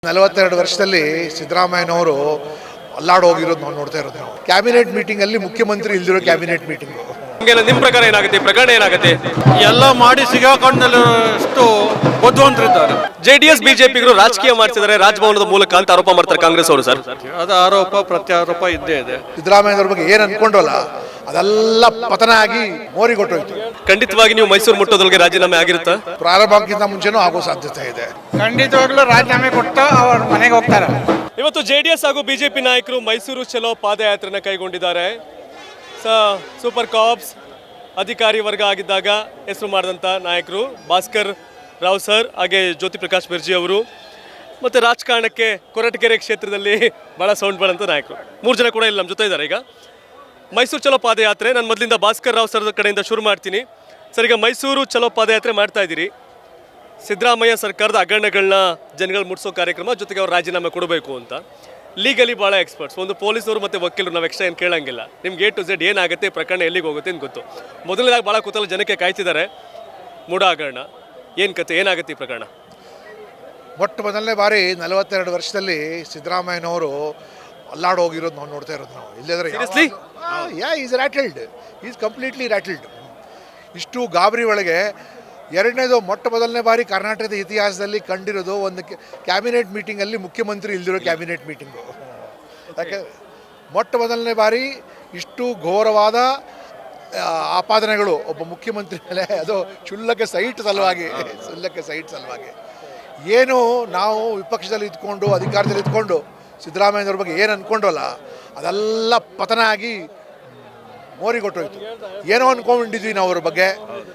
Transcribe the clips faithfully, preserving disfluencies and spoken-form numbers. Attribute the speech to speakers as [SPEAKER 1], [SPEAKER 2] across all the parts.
[SPEAKER 1] ನಲವತ್ತೆರಡು ವರ್ಷದಲ್ಲಿ ಸಿದ್ದರಾಮಯ್ಯನವರು ಅಲ್ಲಾಡ್ ಹೋಗಿರೋದು ನಾವು ನೋಡ್ತಾ ಇರೋದು. ನಾವು ಕ್ಯಾಬಿನೆಟ್ ಮೀಟಿಂಗ್ ಅಲ್ಲಿ ಮುಖ್ಯಮಂತ್ರಿ ಇಲ್ದಿರೋ ಕ್ಯಾಬಿನೆಟ್ ಮೀಟಿಂಗ್.
[SPEAKER 2] ನಿಮ್ಮ ಪ್ರಕಾರ ಏನಾಗುತ್ತೆ, ಪ್ರಕರಣ ಏನಾಗುತ್ತೆ?
[SPEAKER 3] ಎಲ್ಲ ಮಾಡಿ ಸಿಗಾಕೊಂಡಷ್ಟು ಬುದ್ಧಿವಂತರಿದ್ದಾರೆ.
[SPEAKER 2] ಜೆಡಿಎಸ್ ಬಿಜೆಪಿಗರು ರಾಜಕೀಯ ಮಾಡ್ತಿದ್ದಾರೆ ರಾಜಭವನದ ಮೂಲಕ ಅಂತ ಆರೋಪ ಮಾಡ್ತಾರೆ ಕಾಂಗ್ರೆಸ್ ಅವರು. ಸರ್,
[SPEAKER 3] ಅದು ಆರೋಪ ಪ್ರತ್ಯಾರೋಪ ಇದ್ದೇ ಇದೆ.
[SPEAKER 1] ಸಿದ್ದರಾಮಯ್ಯನವ್ರ ಬಗ್ಗೆ ಏನ್ ಅನ್ಕೊಂಡ್ರಲ್ಲ ಅದೆಲ್ಲ ಪತನ ಆಗಿ ಮೋರಿಗೊಟ್ಟೋಯ್ತು.
[SPEAKER 2] ಖಂಡಿತವಾಗಿ ನೀವು ಮೈಸೂರು ಮುಟ್ಟೋದೊಳಗೆ ರಾಜೀನಾಮೆ ಆಗಿರುತ್ತಾ?
[SPEAKER 1] ಪ್ರಾರಂಭಕ್ಕಿಂತ ಮುಂಚೆನೂ ಆಗೋ ಸಾಧ್ಯತೆ ಇದೆ.
[SPEAKER 4] ಖಂಡಿತವಾಗ್ಲೂ ರಾಜೀನಾಮೆ ಕೊಟ್ಟು ಅವ್ರ ಮನೆಗೆ ಹೋಗ್ತಾರೆ.
[SPEAKER 2] ಇವತ್ತು ಜೆಡಿಎಸ್ ಹಾಗೂ ಬಿಜೆಪಿ ನಾಯಕರು ಮೈಸೂರು ಚಲೋ ಪಾದಯಾತ್ರೆನ ಕೈಗೊಂಡಿದ್ದಾರೆ. ಸ ಸೂಪರ್ ಕಾಪ್ಸ್ ಅಧಿಕಾರಿ ವರ್ಗ ಆಗಿದ್ದಾಗ ಹೆಸರು ಮಾಡಿದಂಥ ನಾಯಕರು ಭಾಸ್ಕರ್ ರಾವ್ ಸರ್, ಹಾಗೆ ಜ್ಯೋತಿ ಪ್ರಕಾಶ್ ಬೆರ್ಜಿ ಅವರು, ಮತ್ತು ರಾಜಕಾರಣಕ್ಕೆ ಕೊರಟಗೆರೆ ಕ್ಷೇತ್ರದಲ್ಲಿ ಭಾಳ ಸೌಂಡ್ ಬರೋಂಥ ನಾಯಕರು ಮೂರು ಜನ ಕೂಡ ಇಲ್ಲಿ ನಮ್ಮ ಜೊತೆ ಇದ್ದಾರೆ. ಈಗ ಮೈಸೂರು ಚಲೋ ಪಾದಯಾತ್ರೆ ನಾನು ಮೊದಲಿಂದ ಭಾಸ್ಕರ್ ರಾವ್ ಸರ್ ಕಡೆಯಿಂದ ಶುರು ಮಾಡ್ತೀನಿ. ಸರ್, ಈಗ ಮೈಸೂರು ಚಲೋ ಪಾದಯಾತ್ರೆ ಮಾಡ್ತಾ ಇದ್ದೀರಿ. ಸಿದ್ದರಾಮಯ್ಯ ಸರ್ಕಾರದ ಹಗರಣಗಳನ್ನ ಜನಗಳು ಮುಟ್ಸೋ ಕಾರ್ಯಕ್ರಮ, ಜೊತೆಗೆ ಅವ್ರು ರಾಜೀನಾಮೆ ಕೊಡಬೇಕು ಅಂತ. ಲೀಗಲಿ ಭಾಳ ಎಕ್ಸ್ಪರ್ಟ್ಸ್, ಒಂದು ಪೊಲೀಸರು ಮತ್ತು ವಕೀಲರು, ನಾವು ಎಕ್ಸ್ಟ್ರಾ ಏನು ಕೇಳಂಗಿಲ್ಲ. ನಿಮ್ಗೆ ಎ ಟು ಝೆಡ್ ಏನಾಗುತ್ತೆ, ಪ್ರಕರಣ ಎಲ್ಲಿಗೆ ಹೋಗುತ್ತೆ ಅಂತ ಗೊತ್ತು. ಮೊದಲನೇದಾಗಿ ಭಾಳ ಕುತೂಹಲ ಜನಕ್ಕೆ ಕಾಯ್ತಿದ್ದಾರೆ. ಮೂಡ ಹಗರಣ ಏನು ಕತೆ, ಏನಾಗುತ್ತೆ ಈ ಪ್ರಕರಣ?
[SPEAKER 1] ಮೊಟ್ಟ ಮೊದಲನೇ ಬಾರಿ ನಲವತ್ತೆರಡು ವರ್ಷದಲ್ಲಿ ಸಿದ್ದರಾಮಯ್ಯನವರು ಅಲ್ಲಾಡ್ ಹೋಗಿರೋದು ನಾವು ನೋಡ್ತಾ ಇರೋದು. ನಾವು ಇಲ್ಲದ್ರೆ yeah is rattled, is completely rattled. ಇಷ್ಟು ಗಾಬರಿ ಒಳಗೆ ಎರಡನೇದು ಮೊಟ್ಟ ಮೊದಲನೇ ಬಾರಿ ಕರ್ನಾಟಕದ ಇತಿಹಾಸದಲ್ಲಿ ಕಂಡಿರೋದು ಒಂದು ಕ್ಯಾಬಿನೆಟ್ ಮೀಟಿಂಗಲ್ಲಿ ಮುಖ್ಯಮಂತ್ರಿ ಇಲ್ದಿರೋ ಕ್ಯಾಬಿನೆಟ್ ಮೀಟಿಂಗು. ಯಾಕೆ ಮೊಟ್ಟ ಮೊದಲನೇ ಬಾರಿ ಇಷ್ಟು ಘೋರವಾದ ಆಪಾದನೆಗಳು ಒಬ್ಬ ಮುಖ್ಯಮಂತ್ರಿ ಮೇಲೆ, ಅದು ಕ್ಷುಲ್ಲಕ ಸೈಟ್ ಸಲುವಾಗಿ ಕ್ಷುಲ್ಲಕ ಸೈಟ್ ಸಲುವಾಗಿ ಏನು ನಾವು ವಿಪಕ್ಷದಲ್ಲಿ ಇದ್ಕೊಂಡು ಅಧಿಕಾರದಲ್ಲಿ ಇದ್ಕೊಂಡು ಸಿದ್ದರಾಮಯ್ಯನವ್ರ ಬಗ್ಗೆ ಏನು ಅಂದ್ಕೊಂಡ್ರಲ್ಲ ಅದೆಲ್ಲ ಪತನ ಆಗಿ ಮೋರಿಗೊಟ್ಟೋಯ್ತು. ಏನೋ ಅಂದ್ಕೊಂಡಿದ್ವಿ ನಾವು ಅವ್ರ ಬಗ್ಗೆ.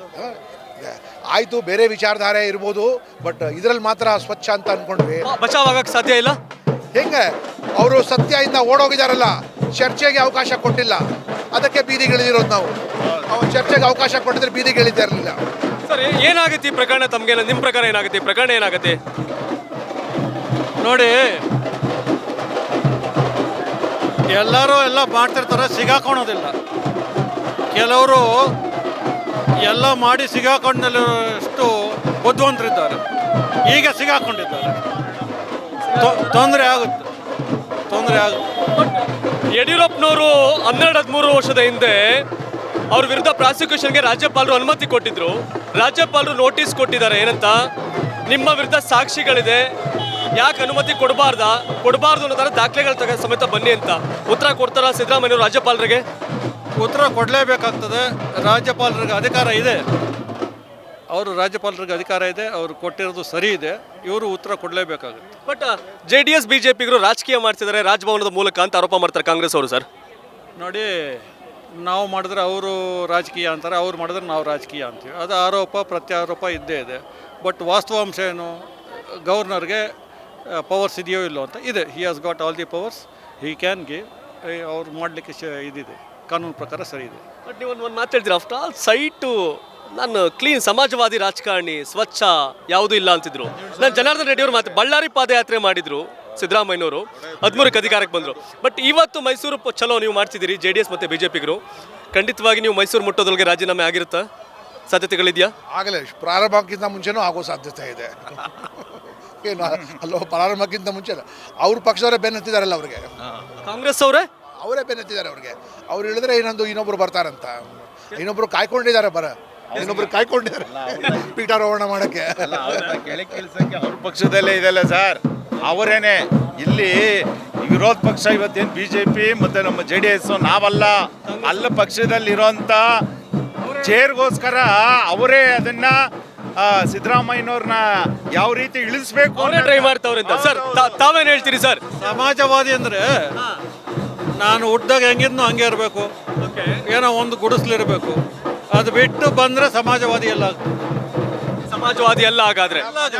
[SPEAKER 1] ಆಯಿತು, ಬೇರೆ ವಿಚಾರಧಾರೆ ಇರ್ಬೋದು, ಬಟ್ ಇದರಲ್ಲಿ ಮಾತ್ರ ಸ್ವಚ್ಛ ಅಂತ ಅಂದ್ಕೊಂಡ್ವಿ.
[SPEAKER 2] ಬಚಾವ್ ಆಗಕ್ಕೆ ಸಾಧ್ಯ ಇಲ್ಲ.
[SPEAKER 1] ಹೆಂಗೆ ಅವರು ಸತ್ಯದಿಂದ ಓಡೋಗಿದಾರಲ್ಲ, ಚರ್ಚೆಗೆ ಅವಕಾಶ ಕೊಟ್ಟಿಲ್ಲ, ಅದಕ್ಕೆ ಬೀದಿಗಿಳಿದಿರೋದು ನಾವು. ಅವ್ರು ಚರ್ಚೆಗೆ ಅವಕಾಶ ಕೊಟ್ಟಿದ್ರೆ ಬೀದಿಗಿಳಿತಾ ಇರಲಿಲ್ಲ.
[SPEAKER 2] ಸರ್, ಏನಾಗುತ್ತೆ ಈ ಪ್ರಕರಣ? ತಮಗೆ ನಿಮ್ಮ ಪ್ರಕಾರ ಏನಾಗುತ್ತೆ, ಪ್ರಕರಣ ಏನಾಗುತ್ತೆ?
[SPEAKER 3] ನೋಡಿ, ಎಲ್ಲರೂ ಎಲ್ಲ ಮಾಡ್ತಿರ್ತಾರೆ, ಸಿಗಾಕೊಳ್ಳೋದಿಲ್ಲ. ಕೆಲವರು ಎಲ್ಲ ಮಾಡಿ ಸಿಗಾಕೊಂಡಷ್ಟು ಬುದ್ಧಿವಂತರಿದ್ದಾರೆ, ಈಗ ಸಿಗಾಕೊಂಡಿದ್ದಾರೆ. ತೊಂದರೆ ಆಗುತ್ತೆ, ತೊಂದರೆ ಆಗುತ್ತೆ.
[SPEAKER 2] ಯಡಿಯೂರಪ್ಪನವರು ಹನ್ನೆರಡು ಹದಿಮೂರು ವರ್ಷದ ಹಿಂದೆ ಅವ್ರ ವಿರುದ್ಧ ಪ್ರಾಸಿಕ್ಯೂಷನ್ಗೆ ರಾಜ್ಯಪಾಲರು ಅನುಮತಿ ಕೊಟ್ಟಿದ್ರು. ರಾಜ್ಯಪಾಲರು ನೋಟಿಸ್ ಕೊಟ್ಟಿದ್ದಾರೆ, ಏನಂತ, ನಿಮ್ಮ ವಿರುದ್ಧ ಸಾಕ್ಷಿಗಳಿದೆ, ಯಾಕೆ ಅನುಮತಿ ಕೊಡಬಾರ್ದಾ ಕೊಡಬಾರ್ದು ಅನ್ನೋ ಥರ ದಾಖಲೆಗಳ ತಗ ಸಮೇತ ಬನ್ನಿ ಅಂತ ಉತ್ತರ ಕೊಡ್ತಾರ ಸಿದ್ದರಾಮಯ್ಯವರು ರಾಜ್ಯಪಾಲರಿಗೆ?
[SPEAKER 3] ಉತ್ತರ ಕೊಡಲೇಬೇಕಾಗ್ತದೆ. ರಾಜ್ಯಪಾಲರಿಗೆ ಅಧಿಕಾರ ಇದೆ, ಅವರು ರಾಜ್ಯಪಾಲರಿಗೆ ಅಧಿಕಾರ ಇದೆ, ಅವರು ಕೊಟ್ಟಿರೋದು ಸರಿ ಇದೆ, ಇವರು ಉತ್ತರ ಕೊಡಲೇಬೇಕಾಗುತ್ತೆ.
[SPEAKER 2] But J D S B J ಪಿಗರು ರಾಜಕೀಯ ಮಾಡ್ತಿದ್ದಾರೆ ರಾಜಭವನದ ಮೂಲಕ ಅಂತ ಆರೋಪ ಮಾಡ್ತಾರೆ ಕಾಂಗ್ರೆಸ್ ಅವರು. ಸರ್,
[SPEAKER 3] ನೋಡಿ, ನಾವು ಮಾಡಿದ್ರೆ ಅವರು ರಾಜಕೀಯ ಅಂತಾರೆ, ಅವ್ರು ಮಾಡಿದ್ರೆ ನಾವು ರಾಜಕೀಯ ಅಂತೀವಿ. ಅದು ಆರೋಪ ಪ್ರತ್ಯಾರೋಪ ಇದ್ದೇ ಇದೆ. ಬಟ್ ವಾಸ್ತವಾಂಶ ಏನು, ಗವರ್ನರ್ಗೆ ಪವರ್ಸ್ ಇದೆಯೋ ಇಲ್ಲೋ ಅಂತ ಇದೆ. He has got all the powers, he can give. ಅವ್ರು ಮಾಡಲಿಕ್ಕೆ ಶ ಇದಿದೆ, ಕಾನೂನು ಪ್ರಕಾರ ಸರಿ ಇದೆ.
[SPEAKER 2] ಬಟ್ ನೀವು ಒಂದು ಒಂದು ಮಾತು ಹೇಳ್ತೀರಾ, ಆಫ್ಟರ್ ಆಲ್ ಸೈಟು ನಾನು ಕ್ಲೀನ್ ಸಮಾಜವಾದಿ ರಾಜಕಾರಣಿ, ಸ್ವಚ್ಛ ಯಾವುದೂ ಇಲ್ಲ ಅಂತಿದ್ರು. ನಾನು ಜನಾರ್ದನ್ ರೆಡ್ಡಿ ಅವರು ಮಾತು, ಬಳ್ಳಾರಿ ಪಾದಯಾತ್ರೆ ಮಾಡಿದ್ರು ಸಿದ್ದರಾಮಯ್ಯನವರು, ಹದಿಮೂರಕ್ಕೆ ಅಧಿಕಾರಕ್ಕೆ ಬಂದರು. ಬಟ್ ಇವತ್ತು ಮೈಸೂರು ಚಲೋ ನೀವು ಮಾಡ್ತಿದ್ದೀರಿ ಜೆ ಡಿ ಎಸ್ ಮತ್ತು ಬಿ ಜೆ ಪಿಗರು. ಖಂಡಿತವಾಗಿ ನೀವು ಮೈಸೂರು ಮುಟ್ಟೋದೊಳಗೆ ರಾಜೀನಾಮೆ ಆಗಿರುತ್ತಾ, ಸಾಧ್ಯತೆಗಳಿದೆಯಾ?
[SPEAKER 1] ಆಗಲೇ ಪ್ರಾರಂಭಕ್ಕಿಂತ ಮುಂಚೆನೂ ಆಗೋ ಸಾಧ್ಯತೆ ಇದೆ. ಏನು ಅಲ್ಲೋ, ಪ್ರಾರಂಭಕ್ಕಿಂತ ಮುಂಚೆ ಅವ್ರ ಪಕ್ಷದವರೇ ಬೆನ್ನತ್ತಿದಾರಲ್ಲ ಅವ್ರಿಗೆ,
[SPEAKER 2] ಕಾಂಗ್ರೆಸ್ ಅವರೇ
[SPEAKER 1] ಅವರೇ ಬೆನ್ನತ್ತಿದ್ದಾರೆ ಅವ್ರಿಗೆ. ಅವ್ರು ಹೇಳಿದ್ರೆ ಇನ್ನೊಂದು ಇನ್ನೊಬ್ರು ಬರ್ತಾರಂತ, ಇನ್ನೊಬ್ರು ಕಾಯ್ಕೊಂಡಿದ್ದಾರೆ, ಬರ ಇನ್ನೊಬ್ರು ಕಾಯ್ಕೊಂಡಿದ್ದಾರೆ ಪೀಠಾರೋಹಣ ಮಾಡಕ್ಕೆ.
[SPEAKER 5] ಅವ್ರ ಪಕ್ಷದಲ್ಲೇ ಇದೆಲ್ಲ ಸರ್, ಅವರೇನೆ ಇಲ್ಲಿ ವಿರೋಧ ಪಕ್ಷ. ಇವತ್ತೇನು ಬಿ ಜೆ ಪಿ ಮತ್ತು ನಮ್ಮ ಜೆ ಡಿ ಎಸ್ ನಾವಲ್ಲ, ಅಲ್ಲ ಪಕ್ಷದಲ್ಲಿರೋಂಥ ಚೇರ್ಗೋಸ್ಕರ ಅವರೇ ಅದನ್ನ ಸಿದ್ದರಾಮಯ್ಯನವ್ರನ್ನ ಯಾವ ರೀತಿ ಇಳಿಸ್ಬೇಕು
[SPEAKER 2] ಟ್ರೈ ಮಾಡ್ತಾವ್ರೆ ಅಂತ. ಸರ್, ತಾವೇನು ಹೇಳ್ತೀರಿ ಸರ್?
[SPEAKER 3] ಸಮಾಜವಾದಿ ಅಂದರೆ ನಾನು ಹುಟ್ಟಿದಾಗ ಹೆಂಗಿದ್ನೋ ಹಂಗೆ ಇರಬೇಕು, ಏನೋ ಒಂದು ಗುಡಿಸ್ಲಿರಬೇಕು. ಅದು ಬಿಟ್ಟು ಬಂದರೆ ಸಮಾಜವಾದಿ ಎಲ್ಲ
[SPEAKER 2] ಸಮಾಜವಾದಿ ಎಲ್ಲ ಹಾಗಾದ್ರೆ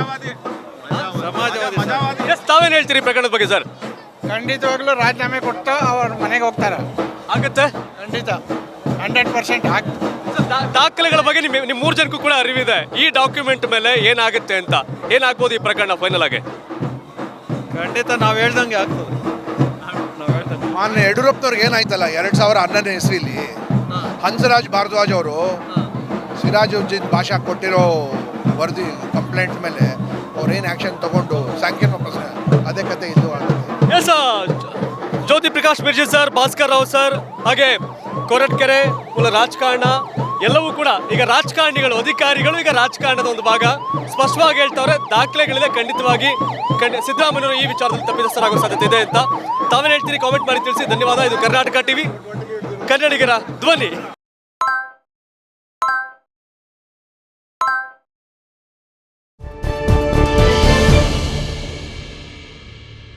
[SPEAKER 3] ಸಮಾಜವಾದಿ.
[SPEAKER 2] ತಾವೇನು ಹೇಳ್ತೀರಿ ಪ್ರಕರಣದ ಬಗ್ಗೆ ಸರ್?
[SPEAKER 4] ಖಂಡಿತವಾಗ್ಲೂ ರಾಜೀನಾಮೆ ಕೊಟ್ಟು ಅವ್ರ ಮನೆಗೆ ಹೋಗ್ತಾರೆ.
[SPEAKER 2] ಆಗುತ್ತೆ,
[SPEAKER 4] ಖಂಡಿತ, ಹಂಡ್ರೆಡ್ ಪರ್ಸೆಂಟ್ ಆಗ್
[SPEAKER 2] ದಾಖಲೆಗಳ ಬಗ್ಗೆ ನಿಮ್ಮ ನಿಮ್ಮ ಮೂರು ಜನಕ್ಕೂ ಕೂಡ ಅರಿವಿದೆ. ಈ ಡಾಕ್ಯುಮೆಂಟ್ ಮೇಲೆ ಏನಾಗುತ್ತೆ ಅಂತ, ಏನಾಗ್ಬೋದು ಈ ಪ್ರಕರಣ ಫೈನಲ್ ಆಗಿ?
[SPEAKER 3] ಖಂಡಿತ ನಾವು ಹೇಳ್ದಂಗೆ ಆಗ್ತದೆ. ನಾವು ಹೇಳ್ದಂಗೆ
[SPEAKER 1] ಮಾನ್ಯ ಯಡಿಯೂರಪ್ಪನವ್ರಿಗೆ ಏನಾಯ್ತಲ್ಲ ಎರಡು ಸಾವಿರ ಹನ್ನೊಂದನೇ ಇಸ್ವಿಲಿ ಹಂಸರಾಜ್ ಭಾರದ್ವಾಜ್ ಅವರು ಸಿರಾಜುದ್ದೀನ್ ಭಾಷಾ ಕೊಟ್ಟಿರೋ ವರದಿ ಕಂಪ್ಲೇಂಟ್ ಮೇಲೆ ಅವ್ರೇನು ಆ್ಯಕ್ಷನ್ ತೊಗೊಂಡು ಸ್ಯಾಂಕ್ಷನ್ ವಾಪಸ್ ಅವಶ್ಯಕತೆ ಇಲ್ಲೂ ಆಗುತ್ತೆ.
[SPEAKER 2] S Jyoti Prakash Mirji sir, Bhaskar Rao sir, ಹಾಗೆ ಕೊರಟ್ಕೆರೆ ಮೂಲ ರಾಜಕಾರಣ ಎಲ್ಲವೂ ಕೂಡ ಈಗ ರಾಜಕಾರಣಿಗಳು, ಅಧಿಕಾರಿಗಳು ಈಗ ರಾಜಕಾರಣದ ಒಂದು ಭಾಗ ಸ್ಪಷ್ಟವಾಗಿ ಹೇಳ್ತವ್ರೆ. ದಾಖಲೆಗಳಿದೆ, ಖಂಡಿತವಾಗಿ ಖಂಡಿ ಸಿದ್ದರಾಮಯ್ಯವರು ಈ ವಿಚಾರದಲ್ಲಿ ತಪ್ಪಿತಸ್ಥರಾಗೋ ಸಾಧ್ಯತೆ ಇದೆ ಅಂತ ತಾವೇನು ಹೇಳ್ತೀರಿ ಕಾಮೆಂಟ್ ಮಾಡಿ ತಿಳಿಸಿ. ಧನ್ಯವಾದ. ಇದು ಕರ್ನಾಟಕ ಟಿವಿ, ಕನ್ನಡಿಗರ ಧ್ವನಿ.